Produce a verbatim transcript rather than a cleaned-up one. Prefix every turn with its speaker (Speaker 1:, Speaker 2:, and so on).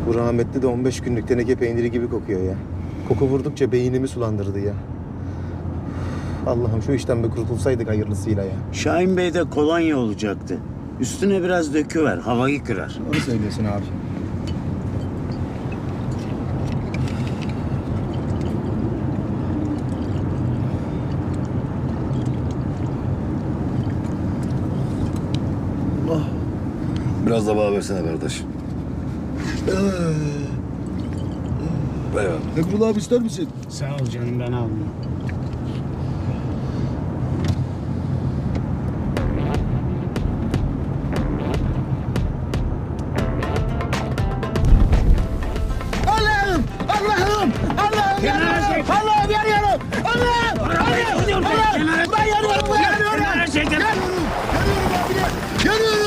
Speaker 1: Bu rahmetli de on beş günlük teneke peyniri gibi kokuyor ya. Koku vurdukça beynimi sulandırdı ya. Allah'ım şu işten bir kurtulsaydık hayırlısıyla ya.
Speaker 2: Şahin Bey'de kolonya olacaktı. Üstüne biraz döküver, havayı kırar.
Speaker 1: Doğru söylüyorsun abi.
Speaker 3: Biraz da bana versene kardeş. Eyvallah.
Speaker 4: Emrullah abi ister misin?
Speaker 2: Sağ ol canım, ben almıyorum.